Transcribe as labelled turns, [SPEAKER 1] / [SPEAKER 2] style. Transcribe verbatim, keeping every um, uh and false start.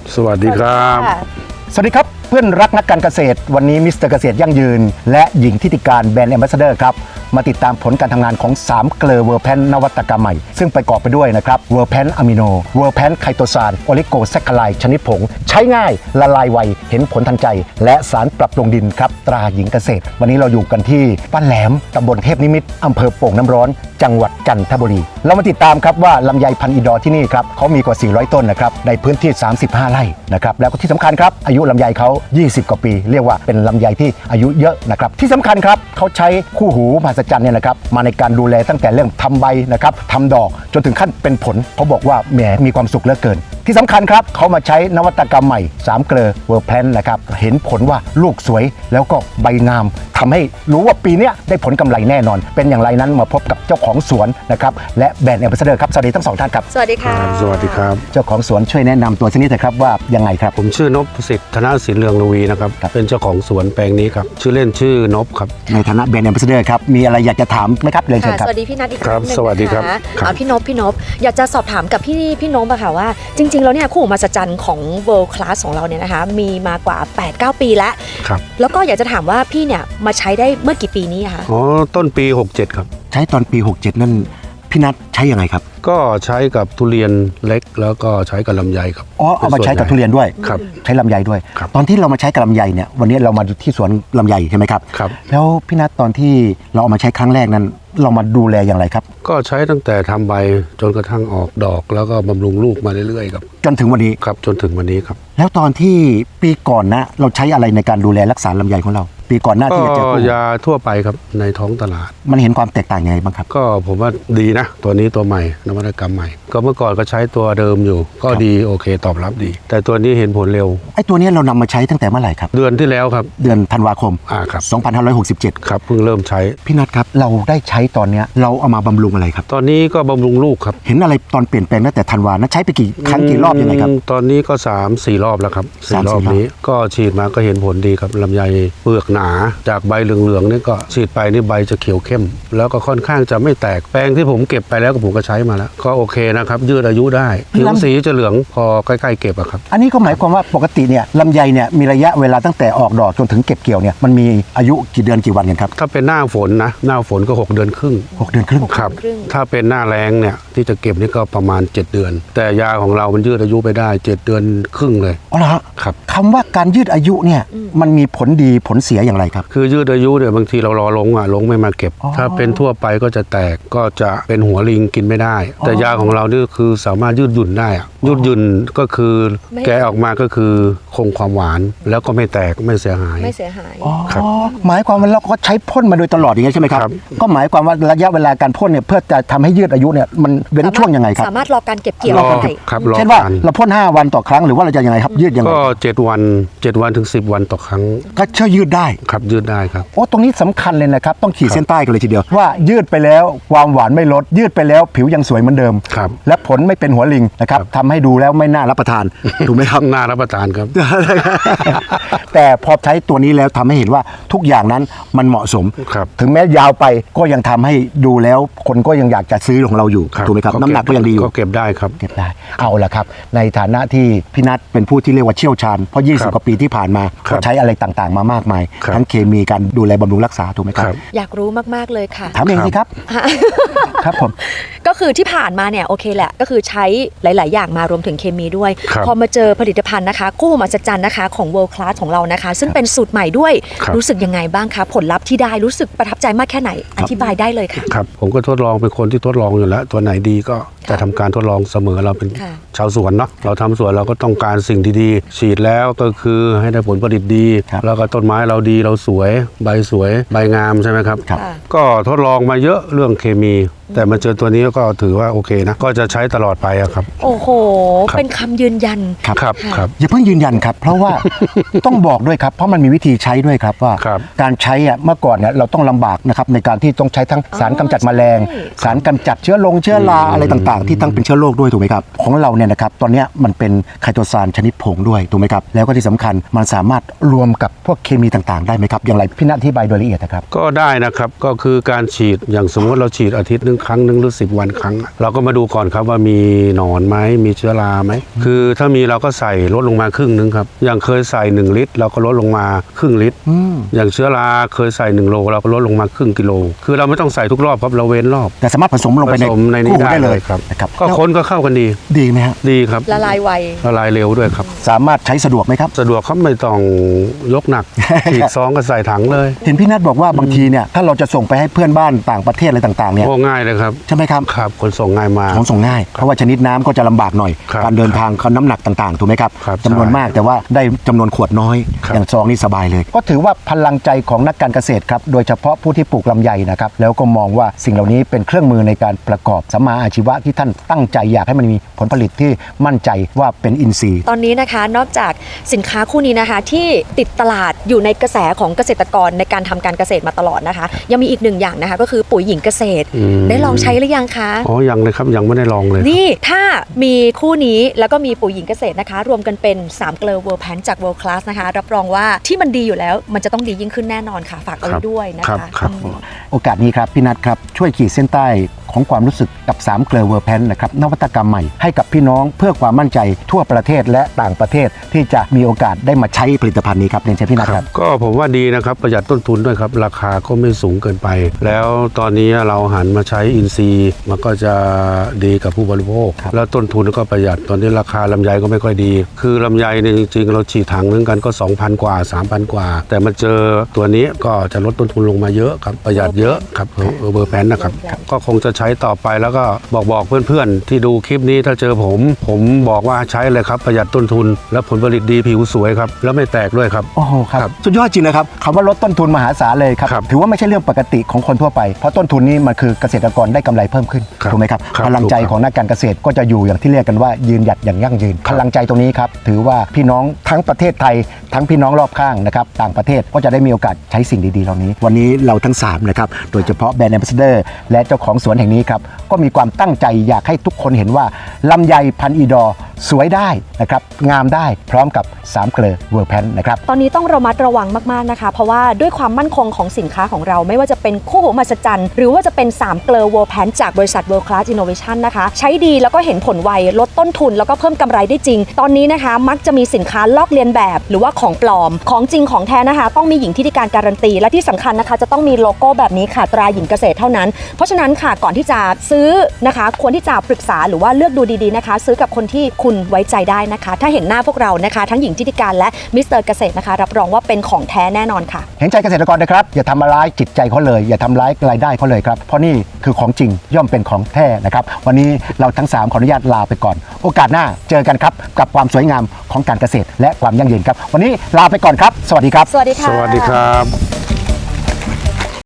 [SPEAKER 1] สวัสดีครับ
[SPEAKER 2] สวัสดีครับเพื่อนรักนักการเกษตรวันนี้มิสเตอร์เกษตรยั่งยืนและหญิงทิติการแบรนด์แอมบาสเดอร์ครับมาติดตามผลการทำงานของสามเกลือเวอร์แพนนวัตกรรมใหม่ซึ่งประกอบไปด้วยนะครับเวอร์แพนอะมิโนเวอร์แพนไคโตซานโอลิโกแซคคาไลชนิดผงใช้ง่ายละลายไวเห็นผลทันใจและสารปรับปรุงดินครับตราหญิงเกษตรวันนี้เราอยู่กันที่บ้านแหลมตำบลเทพนิมิตรอำเภอโป่งน้ำร้อนจังหวัดจันทบุรีเรามาติดตามครับว่าลำไยพันธุ์อีดอร์ที่นี่ครับเขามีกว่าสี่ร้อยต้นนะครับในพื้นที่สามสิบห้าไร่นะครับแล้วก็ที่สำคัญครับอายุลำไยเขายี่สิบกว่าปีเรียกว่าเป็นลำไยที่อายุเยอะนะครับที่สำคัญครับเขาใช้คู่หูมหัศจรรย์เนี่ยนะครับมาในการดูแลตั้งแต่เรื่องทำใบนะครับทำดอกจนถึงขั้นเป็นผลเขาบอกว่าแหมมีความสุขเหลือเกินที่สำคัญครับเขามาใช้นวัตกรรมใหม่สามเกลือเวอร์แพนนะครับเห็นผลว่าลูกสวยแล้วก็ใบงามทำให้รู้ว่าปีนี้ได้ผลกำไรแน่นอนเป็นอย่างไรนั้นมาพบกับเจ้าของสวนนะครับและแบรนด์แอมบาสเดอร์ครับสวัสดีทั้งสองท่านครับ
[SPEAKER 3] สวัสดีค่ะ
[SPEAKER 1] สวัสดีครับ
[SPEAKER 2] เจ้าของสวนช่วยแนะนำตัวสักนิดนะครับว่ายังไงครับ
[SPEAKER 1] ผมชื่อนพสิทธิ์ธนศิลป์เรืองระวีนะครับเป็นเจ้าของสวนแปลงนี้ครับชื่อเล่นชื่อนพครับ
[SPEAKER 2] ในฐานะแบรนด์แอมบาสเดอร์ครับมีอะไรอยากจะถามไหมครับเรียนเชิญครับ
[SPEAKER 3] สวัสดีพี่นัทอีกค
[SPEAKER 1] รั้
[SPEAKER 3] งนึง
[SPEAKER 1] สวัสดีครับ
[SPEAKER 3] เอาพี่นพพี่นพอยากจะสอบถามกับพี่พี่นพอะค่ะว่าจริงๆแล้วเนี่ยคู่หูมหัศจรรย์ของ World Class ของเราเนี่ยนะคะมีมากว่า แปดเก้า ปีแล้ว
[SPEAKER 1] ครับ
[SPEAKER 3] แล้วก็อยากจะถามว่าพี่เนี่ยมาใช้ได้เมื่อกี่ปีนี้คะ
[SPEAKER 1] อ๋อต้นปีหกสิบเจ็ดครับ
[SPEAKER 2] ใช้ตอนปีหกสิบเจ็ดนั่นพี่นัทใช้ยังไงครับ
[SPEAKER 1] ก็ใช้กับทุเรียนเล็กแล้วก็ใช้กับลำไยครับ
[SPEAKER 2] อ๋อเอามาใช้กับทุเรียนด้วย
[SPEAKER 1] ครับ
[SPEAKER 2] ใช้ลำไยด้วย
[SPEAKER 1] ครับ
[SPEAKER 2] ตอนที่เรามาใช้กับลำไยเนี่ยวันนี้เรามาที่สวนลำไยใช่ไหมครับ
[SPEAKER 1] ครับ
[SPEAKER 2] แล้วพี่นัทตอนที่เราเอามาใช้ครั้งแรกนั้นเรามาดูแลอย่างไรครับ
[SPEAKER 1] ก็ใช้ตั้งแต่ทำใบจนกระทั่งออกดอกแล้วก็บำรุงลูกมาเรื่อยๆครับ
[SPEAKER 2] จนถึงวันนี้
[SPEAKER 1] ครับจนถึงวันนี้ครับ
[SPEAKER 2] แล้วตอนที่ปีก่อนนะเราใช้อะไรในการดูแลรักษาลำไยของเราปีก่อนหน้าที่จะเจอ
[SPEAKER 1] ก็ยาทั่วไปครับในท้องตลาด
[SPEAKER 2] มันเห็นความแตกต่างยังไงบ้างครับ
[SPEAKER 1] ก็ผมว่าดีนะตัวนี้ตัวใหม่นวัตกรรมใหม่ก็เมื่อก่อนก็ใช้ตัวเดิมอยู่ก็ดีโอเคตอบรับดีแต่ตัวนี้เห็นผลเร็ว
[SPEAKER 2] ไอ้ตัวนี้เรานำมาใช้ตั้งแต่เมื่อไหร่ครับ
[SPEAKER 1] เดือนที่แล้วครับ
[SPEAKER 2] เดือนธันวาคม
[SPEAKER 1] อ่าครับ
[SPEAKER 2] สองพันห้าร้อยหกสิบเจ็ด
[SPEAKER 1] ครับเพิ่งเริ่มใช้
[SPEAKER 2] พี่นัทครับเราได้ใช้ตอนนี้เราเอามาบำรุงอะไรครับ
[SPEAKER 1] ตอนนี้ก็บำรุงลูกครับ
[SPEAKER 2] เห็นอะไรตอนเปลี่ยนแปลงตั้งแต่ธันวานะใช้ไปกี่ครั้งกี่รอบยังไงครับ
[SPEAKER 1] ตอนนี้ก็สาม สี่รอบแล้วครับสี่รอบนี้ก็ฉีดมาก็เห็นผลดีครับลำไยเปลือกหนาจากใบเหลืองๆนี่ก็ฉีดไปนี่ใบจะเขียวเข้มแล้วก็ค่อนข้างจะไม่แตกแปลงที่ผมเก็บไปแล้วก็ผมก็ใช้มาแล้วก็โอเคนะครับยืดอายุได้ผิวสีจะเหลืองพอใกล้ๆเก็บอะครับ
[SPEAKER 2] อันนี้ก็หมายความว่าปกติเนี่ยลำไยเนี่ยมีระยะเวลาตั้งแต่ออกดอกจนถึงเก็บเกี่ยวเนี่ยมันมีอายุกี่เดือนกี่วันกันครับ
[SPEAKER 1] ถ้าเป็นหน้าฝนนะหน้าฝนก็หกเดือนครึ่ง
[SPEAKER 2] หกเดือนครึ่ง
[SPEAKER 1] ครับถ้าเป็นหน้าแล้งเนี่ยที่จะเก็บนี่ก็ประมาณเจ็ดเดือนแต่ยาของเรามันยืดอายุไปได้เจ็ดเดือนครึ่งเลย
[SPEAKER 2] อ๋อเหรอ
[SPEAKER 1] ครับ
[SPEAKER 2] คำว่าการยืดอายุเนี่ยมันมีผลดีผลเสียอย่างไรครับ
[SPEAKER 1] คือยืดอายุเนี่ยบางทีเรารอลงอ่ะลงไม่มาเก็บถ้าเป็นทั่วไปก็จะแตกก็จะเป็นหัวลิงกินไม่ได้แต่ยาของเรานี่คือสามารถยืดหยุ่นได้อ่ะยืดหยุ่นก็คือแกะออกมาก็คือคงความหวานแล้วก็ไม่แตกไม่เสียหาย
[SPEAKER 3] ไม่เสียหาย
[SPEAKER 2] ครับหมายความว่าเราก็ใช้พ่นมาโดยตลอดอย่างนี้ใช่ไหมครับก็หมายความว่าระยะเวลาการพ่นเนี่ยเพื่อจะทำให้ยืดอายุเนี่ยมันเว้นช่วงยังไงครับ
[SPEAKER 3] สามารถรอการเก็บเกี่ยว
[SPEAKER 1] ได้
[SPEAKER 2] เช่นว่าเราพ่นห้าวันต่อครั้งหรือว่าเราจะยังไงครับยืดยังไง
[SPEAKER 1] ก็เจ็ดวันเจ็ดวันถึงสิบวันต่อครั้ง
[SPEAKER 2] ก็เชื่อยืดได้
[SPEAKER 1] ครับยืดได้ครับ
[SPEAKER 2] โอ้ตรงนี้สำคัญเลยนะครับต้องขีดเส้นใต้กันเลยทีเดียวว่ายืดไปแล้วความหวานไม่ลดยืดไปแล้วผิวยังสวยเหมือนเดิม
[SPEAKER 1] ครับ
[SPEAKER 2] และผลไม่เป็นหัวลิงนะครับทำให้ดูแล้วไม่น่ารับประทานถูกไหมครับ
[SPEAKER 1] น่ารับประทานครับ
[SPEAKER 2] แต่พอใช้ตัวนี้แล้วทำให้เห็นว่าทุกอย่างนั้นมันเหมาะสมถึงแม้ยาวไปก็ยังทำให้ดูแล้วคนก็ยังอยากจะซื้อของเราอยู่ถูกไหมครับน้ำหนักก็ยังดีอยู่
[SPEAKER 1] ก็เก็บได้ครับ
[SPEAKER 2] เก็บได้เอาละครับในฐานะที่พี่นัทเป็นผู้ที่เรียกว่าเชี่ยวชาญเพราะยี่สิบกว่าปีที่ผ่านมาก็ใช้อะไรต่างๆมามากมายทั้งเคมีการดูแลบำรุงรักษาถูกไหมครับ
[SPEAKER 3] อยากรู้มากๆเลยค่ะ
[SPEAKER 2] ถามเองสิครับครับผม
[SPEAKER 3] ก็คือที่ผ่านมาเนี่ยโอเคแหละก็คือใช้หลายๆอย่างมารวมถึงเคมีด้วยพอมาเจอผลิตภัณฑ์นะคะคู่หูมหัศจรรย์นะคะของ World Class ของเรานะคะซึ่งเป็นสูตรใหม่ด้วยรู้สึกยังไงบ้างคะผลลัพธ์ที่ได้รู้สึกประทับใจมากแค่ไหนอธิบายได้เลยค่ะ
[SPEAKER 1] ครับผมก็ทดลองเป็นคนที่ทดลองอยู่แล้วตัวไหนดีก็จะทำการทดลองเสมอเราเป็นชาวสวนเนาะเราทำสวนเราก็ต้องการสิ่งดีๆฉีดแล้วก็คือให้ได้ผลผลิตดีแล้วก็ต้นไม้เราดีเราสวยใบสวยใบงามใช่ไหมครับก็ทดลองมาเยอะเรื่องเคมีแต่มาเจอตัวนี้ก็ถือว่าโอเคนะก็จะใช้ตลอดไปครับ
[SPEAKER 3] โอ้โหเป็นคำยืนยัน
[SPEAKER 1] ครับครับ
[SPEAKER 2] อย่าเพิ่งยืนยันครับเพราะว่าต้องบอกด้วยครับเพราะมันมีวิธีใช้ด้วยครับว่าการใช้อ่ะเมื่อก่อนเนี่ยเราต้องลำบากนะครับในการที่ต้องใช้ทั้งสารกำจัดแมลงสารกำจัดเชื้อลงเชื้อราอะไรต่างๆที่ตั้งเป็นเชื้อโรคด้วยถูกไหมครับของเราเนี่ยนะครับตอนนี้มันเป็นไคโตซานชนิดผงด้วยถูกไหมครับแล้วก็ที่สำคัญมันสามารถรวมกับพวกเคมีต่างๆได้ไหมครับอย่างไรพี่นัทอธิบายโดยละเอียดนะครับ
[SPEAKER 1] ก็ได้นะครับก็คือการฉีดอย่างสมมติเราฉีดอาทิตย์นึงครั้งหนึ่งหรือสิบวันครั้ง เราก็มาดูก่อนครับว่ามีหนอนไหมมีเชื้อราไหมคือถ้ามีเราก็ใส่ลดลงมาครึ่งนึงครับอย่างเคยใส่หนึ่งลิตรเราก็ลดลงมาครึ่งลิตรอย่างเชื้อราเคยใส่หนึ่งโลเราก็ลดลงมาครึ่งกิโลคือเราไม่ต้องใส่ทุกรอบครับเราเว้นรอบ
[SPEAKER 2] แต่สามารถผสมลงไป
[SPEAKER 1] ผ
[SPEAKER 2] ใน
[SPEAKER 1] สมในนี้
[SPEAKER 2] กุ้ง
[SPEAKER 1] ได้
[SPEAKER 2] ได้
[SPEAKER 1] เล
[SPEAKER 2] เลย ย
[SPEAKER 1] ครับ
[SPEAKER 2] นะครับ
[SPEAKER 1] ก็คนก็เข้ากันดี
[SPEAKER 2] ดีไหมฮะ
[SPEAKER 1] ดีครับ
[SPEAKER 3] ละลายไว
[SPEAKER 1] ละลายเร็วด้วยครับ
[SPEAKER 2] สามารถใช้สะดวกไหมครับ
[SPEAKER 1] สะดวกครับไม่ต้องยกหนัก ฉีดซองก็ใส่ถังเลย
[SPEAKER 2] เห็นพี่นัทบอกว่าบางทีเนี่ยถ้าเราจะส่งไปให้เพื่อนบ้านต่างประเทศอะไรต่างๆเนี่ย
[SPEAKER 1] โอ้ง่ายเลยครับ
[SPEAKER 2] ใช่ไหมครับ
[SPEAKER 1] ครับคนส่งง่ายมาก
[SPEAKER 2] ของส่งง่ายเพราะว่าชนิดน้ำก็จะลำบากหน่อย
[SPEAKER 1] ครับ
[SPEAKER 2] การเดินทางเขาน้ำหนักต่างๆถูกไหมครับ
[SPEAKER 1] ครับ
[SPEAKER 2] จำนวน
[SPEAKER 1] ใช่
[SPEAKER 2] มากแต่ว่าได้จำนวนขวดน้อย
[SPEAKER 1] ครับ
[SPEAKER 2] อย่างซองนี่สบายเลย ก็ถือว่าพลังใจของนักการเกษตรครับโดยเฉพาะผู้ที่ปลูกลำไยนะครับแล้วก็มองว่าสิ่งเหล่านี้เป็นเครื่องมือในการประกอบสัมมาอาชีวะที่ท่านตั้งใจอยากให้มันมีผลผลิตที่มั่นใจว่าเป็นอินทรีย์
[SPEAKER 3] ตอนนี้นะคะนอกจากสินค้าคู่นี้นะคะที่ติดตลาดอยู่ในกระแสของเกษตรกรในการทำการเกษตรมาตลอดนะคะ ยังมีอีกหนึ่งอย่างนะคะก็คือปุ๋ยหญิงเกษตร
[SPEAKER 1] อืม
[SPEAKER 3] ได้ลองใช้หรือยังคะ
[SPEAKER 1] อ๋อยังเลยครับยังไม่ได้ลองเลย
[SPEAKER 3] นี่ถ้ามีคู่นี้แล้วก็มีปุ๋ยหญิงเกษตรนะคะ รวมกันเป็นสามเกลอ World Pan จาก World Class นะคะรับรองว่าที่มันดีอยู่แล้วมันจะต้องดียิ่งขึ้นแน่นอนค่ะฝากเอาไว้ด้วยนะ
[SPEAKER 1] ครั
[SPEAKER 3] คะ
[SPEAKER 1] บครับ
[SPEAKER 3] อืม
[SPEAKER 2] โอกาสนี้ครับพี่นัทครับช่วยขีดเส้นใต้ของความรู้สึกกับสามเกลอเวอร์แพนนะครับนวัตกรรมใหม่ให้กับพี่น้องเพื่อความมั่นใจทั่วประเทศและต่างประเทศที่จะมีโอกาสได้มาใช้ผลิตภัณฑ์นี้ครับเรียนเชิญพี่นัทครับ
[SPEAKER 1] ก็ผมว่าดีนะครับประหยัดต้นทุนด้วยครับราคาก็ไม่สูงเกินไป แล้วตอนนี้เราหันมาใช้อินทรีย์มันก็จะดีกับผู้บริโภค
[SPEAKER 2] ครับ
[SPEAKER 1] แล้วต้นทุนก็ประหยัดตอนนี้ราคาลำไยก็ไม่ค่อยดี คือลำไยเนี่ยจริงๆ เราฉีดถังนึงกันก็ สองพัน กว่า สามพัน กว่า แต่มาเจอตัวนี้ก็จะลดต้นทุนลงมาเยอะครับประหยัดเยอะครับเออเบอร์แพนนะครับก็คงจะใช้ต่อไปแล้วก็บอกบอกเพื่อนๆ ที่ดูคลิปนี้ถ้าเจอผม ผมบอกว่าใช้เลยครับประหยัดต้นทุน และผลผลิตดีผิวสวยครับแล้วไม่แตกด้วยครับ
[SPEAKER 2] โอ้โหค
[SPEAKER 1] ครั
[SPEAKER 2] รับบ สุดยอดจริงนะครับคำว่าลดต้นทุนมหาศาลเลยครับ
[SPEAKER 1] ครับ
[SPEAKER 2] ถือว่าไม่ใช่เรื่องปกติของคนทั่วไปเพราะต้นทุนนี้มันคือเกษตรกรได้กำไรเพิ่มขึ้น
[SPEAKER 1] ครับ
[SPEAKER 2] ถูกไหมครับ
[SPEAKER 1] ครับ
[SPEAKER 2] พลังใจ
[SPEAKER 1] ถูกครับ
[SPEAKER 2] ของนักการเกษตรก็จะอยู่อย่างที่เรียกกันว่ายืนหยัดอย่างยั่งยืน
[SPEAKER 1] ครั
[SPEAKER 2] พ
[SPEAKER 1] บ
[SPEAKER 2] ลังใจตรงนี้ครับถือว่าพี่น้องทั้งประเทศไทย ทั้งพี่น้องรอบข้างนะครับต่างประเทศก็จะได้มีโอกาสใช้สิ่งดีๆเหล่านี้ วันนี้เราทั้งสามนะครับโดยเฉพาะแบรนด์แอมบาสเดอร์และเจ้าของสวนแห่งนี้ครับก็มีความตั้งใจอยากให้ทุกคนเห็นว่าลำไยพันธุ์อีดอร์สวยได้นะครับงามได้พร้อมกับสามเกลอเวอร์แพนนะครับ
[SPEAKER 3] ตอนนี้ต้องระมัดระวังมากๆนะคะ เพราะว่าด้วยความมั่นคงของสินค้าของเราไม่ว่าจะเป็นคู่หูมหัศจรรย์หรือว่าจะเป็นสามเกลอ World Pan จากบริษัท World Class Innovation นะคะใช้ดีแล้วก็เห็นผลไวลดต้นทุนแล้วก็เพิ่มกำไรได้จริง ตอนนี้นะคะมักจะมีสินค้าลอกเลียนแบบหรือว่าของปลอมของจริงของแท้นะคะ ต้องมีหญิงที่ได้การการันตีและที่สำคัญนะคะจะต้องมีโลโก้แบบนี้ค่ะตราหญิงเกษตรเท่านั้น เพราะฉะนั้นค่ะก่อนที่จะซื้อนะคะควรที่จะปรึกษาหรือว่าเลือกดูดีๆนะคะ ซื้อกับคนที่คุณไว้ใจได้นะคะ ถ้าเห็นหน้าพวกเรานะคะ ทั้งหญิงทิติการและมิสเตอร์เกษตรนะคะ รับรองว่าเป็นของแท้แน่นอนค่ะ
[SPEAKER 2] เห็นใจเกษตรกรนะครับอย่าทำร้ายจิตใจเขาเลย อย่าทำร้ายรายได้เขาเลยครับเพราะนี่คือของจริงย่อมเป็นของแท้นะครับวันนี้เราทั้งสามขออนุญาตลาไปก่อน โอกาสหน้าเจอกันครับกับความสวยงามของการเกษตรและความยั่งยืนครับวันนี้ลาไปก่อนครับ สวัสดีครับ
[SPEAKER 3] สวัสดีค่ะ
[SPEAKER 1] สวัสดีครับ